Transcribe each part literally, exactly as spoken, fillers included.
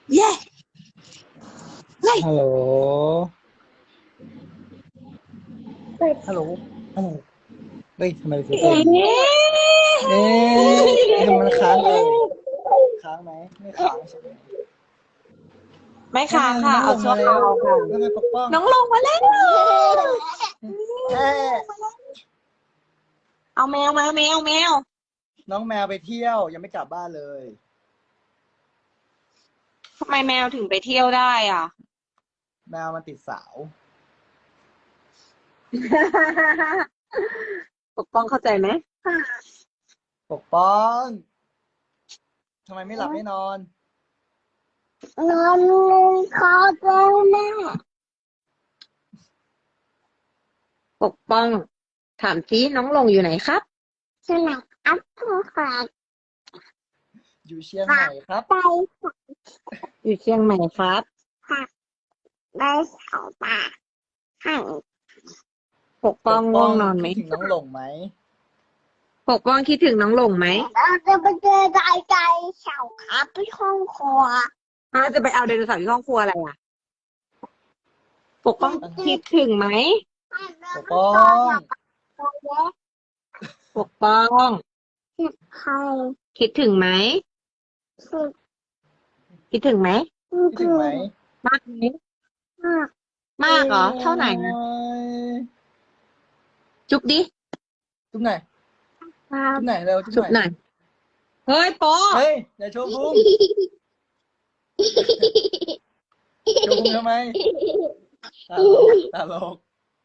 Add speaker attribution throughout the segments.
Speaker 1: เย่เฮ้ย
Speaker 2: ฮัลโหล ฮัลโหล ฮัลโหล เฮ้ยทำไมเสียง
Speaker 1: เอ๊
Speaker 2: เอ๊ะ
Speaker 1: ะ
Speaker 2: เอ๊ะมันค้างเลยค้างไหมไม่ค้างใช่ไหม
Speaker 1: ไม่ค้างค่ะ
Speaker 2: น้
Speaker 1: เอา
Speaker 2: องลง
Speaker 1: ชั่ว
Speaker 2: มา
Speaker 1: ค
Speaker 2: แล้
Speaker 1: ราว วค่ะ
Speaker 2: แล้วไงปกป้อง
Speaker 1: น้องลงมาแล้ว
Speaker 2: เอ๊ะ
Speaker 1: เอาแมวมาแมวแมว
Speaker 2: น้องแมวไปเที่ยวยังไม่กลับบ้านเลย
Speaker 1: ทำไมแมวถึงไปเที่ยวได้อ่ะ
Speaker 2: แมวมันติดสาว
Speaker 1: ปกป้องเข้าใจไหม
Speaker 2: ปกป้องทำไมไม่หลับไม่นอน
Speaker 3: นอนคอเจ้าแม่
Speaker 1: ปกป้อง ถามซิน้องลงอยู่ไหนครับ
Speaker 3: สนับอัพผู้ขาด
Speaker 2: อยู่เชียงใหม่ครับ
Speaker 3: ใจ
Speaker 1: อยู่เชียงใหม่ครับ
Speaker 3: ผักได้เสาป่าห่าง
Speaker 1: ปกป้องง่วงนอนไหม
Speaker 2: คิดถึงน้องหลงไหม
Speaker 1: ปกป้องคิดถึงน้องลงไหม
Speaker 3: เราจะไปเจอใจใจเสาครับที่ห้องครัว
Speaker 1: อ้าวจะไปเอาไดโนเสาร์ที่ห้องครัวอะไรอ่ะ ปกป้องคิดถึงไหม
Speaker 2: ปกป้อง
Speaker 1: ปกป้อง
Speaker 3: ใคร
Speaker 1: คิดถึงไหม
Speaker 3: สุด
Speaker 1: คิดถึงไหม
Speaker 2: คิดถึงไหม
Speaker 1: มากไหม
Speaker 3: มาก
Speaker 1: มากเหรอ เท่าไหร่นะ
Speaker 2: โอ้ย
Speaker 1: จุ๊บดิ
Speaker 2: จุ๊บไหน
Speaker 3: ครับ
Speaker 2: จุ๊บไหนเร็วจุ๊บ
Speaker 1: จุ๊บ
Speaker 2: ไห
Speaker 1: ห
Speaker 2: น
Speaker 1: น่อย เฮ้ยโป๊ะ
Speaker 2: เฮ้ยอย่าโชว์พุงโชว์พุงทำไมตลกตลก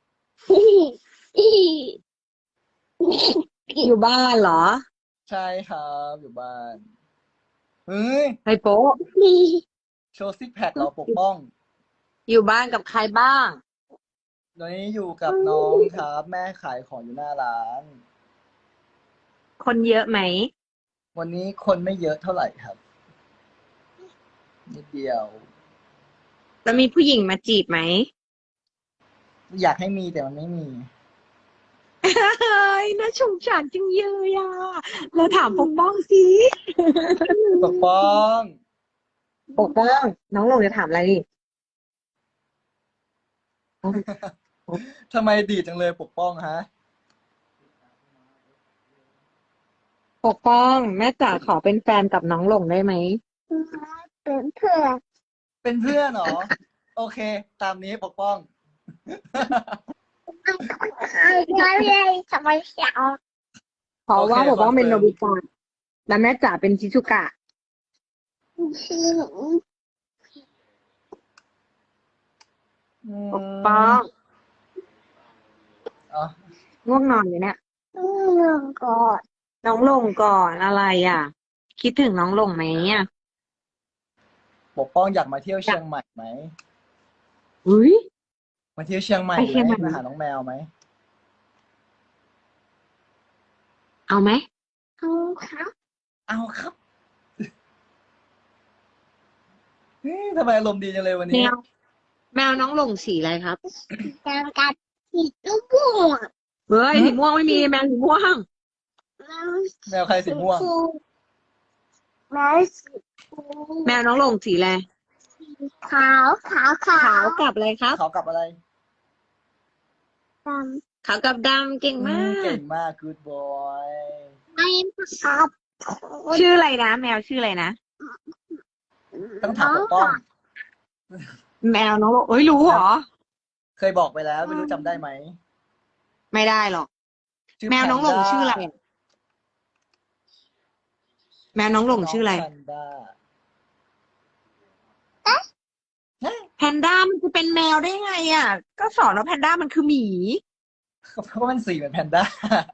Speaker 1: อยู่บ้านเหรอ
Speaker 2: ใช่ครับอยู่บ้านเฮ้ย
Speaker 1: เฮ้ยโป๊ะ
Speaker 2: โชว์ซิกแพคเราปกป้อง
Speaker 1: อยู่บ้านกับใครบ้าง
Speaker 2: ตอนนี้อยู่กับน้องครับ แม่ขายของอยู่หน้าร้าน
Speaker 1: คนเยอะไหม
Speaker 2: วันนี้คนไม่เยอะเท่าไหร่ครับนิดเดียว
Speaker 1: แล้วมีผู้หญิงมาจีบไหม
Speaker 2: อยากให้มีแต่มันไม่มี
Speaker 1: เฮ้ยน่าสงสารจังเลยอ่ะเราถามปกป้องสิ
Speaker 2: ปกป้อง
Speaker 1: ปกป้อง น้องลงจะถามอะไรดิ
Speaker 2: ทำไมดีจังเลยปกป้องฮะ
Speaker 1: ปกป้อง แม่จ๋าขอเป็นแฟนกับน้องลงได้ไหม
Speaker 3: เป็นเพื่อน
Speaker 2: เป็นเพื่อนเหรอ โอเค ตามนี้ปกป้อง
Speaker 3: ใครเลยทำไมเสา
Speaker 1: เพราะว่า
Speaker 2: โอเค
Speaker 1: ปกป้องเป็น
Speaker 2: ค
Speaker 1: โน
Speaker 2: อนเฟิร์ม
Speaker 1: บิตะแล้วแม่จ๋าเป็นชิซุกะ
Speaker 3: ชื่อ
Speaker 2: อืม
Speaker 1: ปกป้อง
Speaker 2: อ๋อ
Speaker 1: ง่วงนอนอยู่เนี่ย
Speaker 3: เรื่องก่อน
Speaker 1: น้องลงก่อนอะไรอ่ะ คิดถึงน้องลงไหมอ่ะ
Speaker 2: ปกป้องอยากมาเที่ยวเชียงใหม่ไหม
Speaker 1: อุ้ย
Speaker 2: มาเที่ยวเชียงใหม่
Speaker 1: ไป
Speaker 2: ไห
Speaker 1: เชียงใหม่
Speaker 2: มมาหาน้องแมวไหม
Speaker 1: เอาไหม
Speaker 3: เอาครับ
Speaker 2: เอาครับเฮ้ยทำไมอารมณ์ดีจังเลยวัน
Speaker 1: แม
Speaker 2: นี้
Speaker 1: ว แมวน้องลงสีอะไรครับ
Speaker 3: จำกัดสีตุ้ม่วง
Speaker 1: เฮ้ยสีม่วงไม่มีแมวสีม่วง
Speaker 2: แมวใครสีม่วง
Speaker 3: แม่สี
Speaker 1: แมวน้องลงสีอะไร
Speaker 3: ขาวขาวขา
Speaker 1: ขาว
Speaker 3: ว
Speaker 1: กับอะไรครับ
Speaker 2: เขากับอะไร
Speaker 3: ด
Speaker 1: ขาวกับดำเก่ง
Speaker 2: อื
Speaker 1: มาม
Speaker 2: เก่
Speaker 1: ก
Speaker 2: งมาก good boy
Speaker 3: ำไม่ครับ
Speaker 1: ชื่ออะไรนะ แมวชื่ออะไรนะ
Speaker 2: ต้องถามปกป้อง
Speaker 1: แมวน้องลงเอ้ยรู้เหรอ
Speaker 2: เคยบอกไปแล้วไม่รู้จำได้ไหม
Speaker 1: ไม่ได้หรอก
Speaker 2: ชื่อ
Speaker 1: แมวน้องลง
Speaker 2: Panda
Speaker 1: ชื่ออะไรอะแมวน้องลงชื่ออะไร
Speaker 2: น้ง Panda
Speaker 1: แพนด้ามันจะเป็นแมวได้ไงอ่ะ ก็สอนว่าแพนด้ามันคือหมี
Speaker 2: เพราะว่ามันสีเหมือนแพนด้า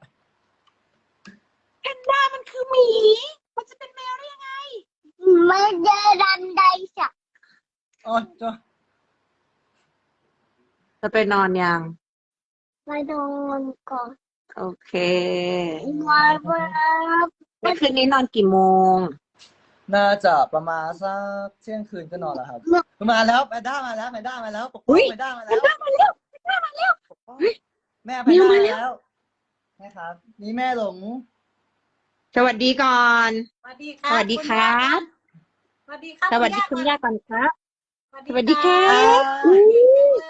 Speaker 1: แพนด้ามันคือหมี มันจะเป็นแมวได้ยังไง
Speaker 3: ไม่เจอดันใดสัก
Speaker 2: โอ้ยจ้ะ
Speaker 1: จะไปนอนยัง
Speaker 3: ไม่โดนก่อน
Speaker 1: โอเค
Speaker 3: มาเบิร์บ
Speaker 1: แล้วคืนนี้นอนกี่โมง
Speaker 2: น่าจะประมาณสักเที่ยงคืนก็นอนแล้วครับ มาแล้วแพนด้ามาแล้วแพนด้ามาแล้วปก
Speaker 1: อุ๊
Speaker 2: ป้อง
Speaker 1: ย
Speaker 2: แพนด้ามา
Speaker 1: แพ
Speaker 2: แล้
Speaker 1: น
Speaker 2: ว
Speaker 1: ด้ามาแล้วแพนด้ามาแล้ว
Speaker 2: ปกป้อง
Speaker 1: เฮ้ย
Speaker 2: แม่แพนด้า
Speaker 1: แมว
Speaker 2: มา
Speaker 1: มาแล้ว
Speaker 2: แล้วแม่ครับ นี่แม่หลง
Speaker 1: สวัสดีก่อน
Speaker 4: สวัสดีค
Speaker 1: ส
Speaker 4: รับ
Speaker 1: วัสดีครับ
Speaker 4: สวัวัสดีครับ
Speaker 1: สวัสดีคุณย่าก่อนครับ
Speaker 4: สวัส
Speaker 1: สวัสดีครั
Speaker 4: ครับ
Speaker 1: บอุ๊ย
Speaker 4: เลย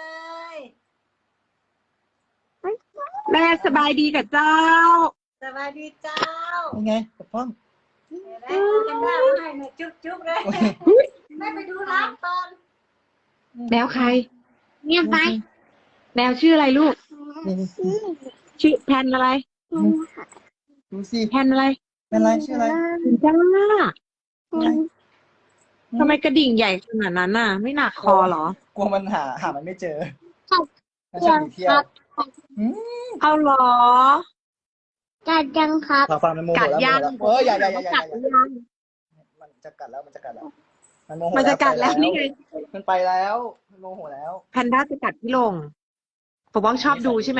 Speaker 1: แม่สบายดีกับเจ้า
Speaker 4: สวัสดีเจ้า
Speaker 2: ยังไงปกป้อง
Speaker 4: เดี๋ยวได้ดูกันได้ให้หน่อยจุ๊บจุ๊บเลยแม่ไปดูน้ำตอน
Speaker 1: แมวใคร
Speaker 3: เงียบไป
Speaker 1: แมวชื่ออะไรลูก
Speaker 2: นี่นี่
Speaker 1: ชื่อแพนอะไร
Speaker 2: ดูสิ
Speaker 1: แพนอะไร
Speaker 2: เป็นไรชื่ออะไร
Speaker 1: จ้า
Speaker 2: ไง
Speaker 1: ทำไมกระดิ่งใหญ่ขนาดนั้นน่ะ ไม่หนักคอเหรอ
Speaker 2: กลัวมันหาหามันไม่เจอ
Speaker 3: ครับ
Speaker 2: มันชอบหนีเที่ยวอืม
Speaker 1: เอาเหรอ
Speaker 3: กัดยังครับ
Speaker 2: ฟังฟังมันโมโห
Speaker 1: กัด
Speaker 2: แล้ว
Speaker 1: ยัง
Speaker 2: โมโหแล้วเอออย่าอย่าอย่าอย่า
Speaker 1: กัด
Speaker 2: อย่า
Speaker 1: ยัง
Speaker 2: มันจะกัดแล้วมันจะกัดแล้วมันโมโห
Speaker 1: มันจะกัดแล้ว
Speaker 2: ไป
Speaker 1: นี่ไง
Speaker 2: มันไปแล้วมันโมโหแล้ว
Speaker 1: แพนด้าจะกัดพี่ลงปกป้องชอบดูใช่ไหม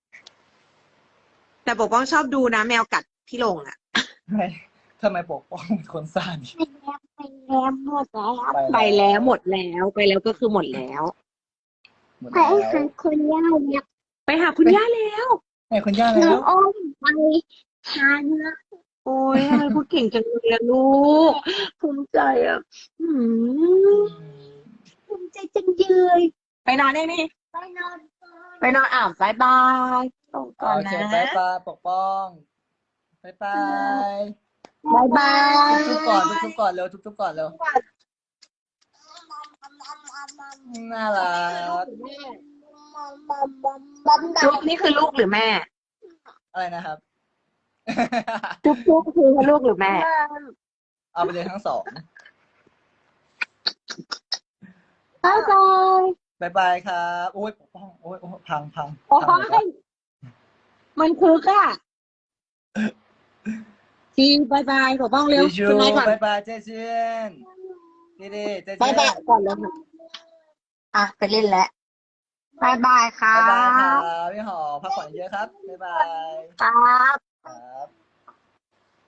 Speaker 1: แต่ปกป้องชอบดูนะ แมวกัดพี่ลงอ่ะ
Speaker 2: ทำไมทำไมปกป้องเป็นคนซ่าน
Speaker 3: ไปแล้วหมดแล้ว
Speaker 1: ไปแล้วหมดแล้วไปแล้วก็คือหมดแล้ว
Speaker 2: หมด
Speaker 3: ไป
Speaker 2: แล้ว
Speaker 3: หาคนย่าเนี่ย
Speaker 1: ไปหาคุณย่าแล้ว
Speaker 2: ไอ้คนย่า
Speaker 3: ห
Speaker 2: แล้
Speaker 3: นู
Speaker 2: ว
Speaker 3: อ้อมไปหาเนื้อ
Speaker 1: โอ้ยทำไมพูดเก่งจังเลยอะลูกภูมิใจอ่ะอืม
Speaker 3: ภูมิใจจังเลย
Speaker 1: ไปนอนได้นี่
Speaker 3: ไปนอน
Speaker 1: ไปนอนอ่าวบายบายส่งก่อน
Speaker 2: โอเค
Speaker 1: นะ
Speaker 2: บายบายปกป้องบายบาย
Speaker 1: บายบาย
Speaker 2: ทุบๆก่อนทุบๆก่อนเร็วทุบๆก่อนเร็วน่ารัก
Speaker 1: จุ๊บนี่คือลูกหรือแม่
Speaker 2: อะไรนะครับ
Speaker 1: จุ๊บจุ๊บคือลูกหรือแม่
Speaker 2: เอาไปเลยทั้งสอง
Speaker 3: บ๊ายบาย
Speaker 2: บายบายครับโอ้ยปกป้องโอ้ยโอ้ยพังพัง
Speaker 1: โอ้
Speaker 2: พังหมดแล้ว
Speaker 1: ยมันคือค่ะจีบายบายบอกบ้องเร็ว
Speaker 2: ดิชู
Speaker 1: คุณนายก่อน
Speaker 2: บายบายเจเจนดีดีเจเจน
Speaker 1: บายบายก่อนเลยค่ะอ่ะไปเล่นแล้วบายบายค่ะ
Speaker 2: บายบายครับพี่หอมพักผ่อนเยอะครับบายบาย
Speaker 1: ครับ
Speaker 2: ครับ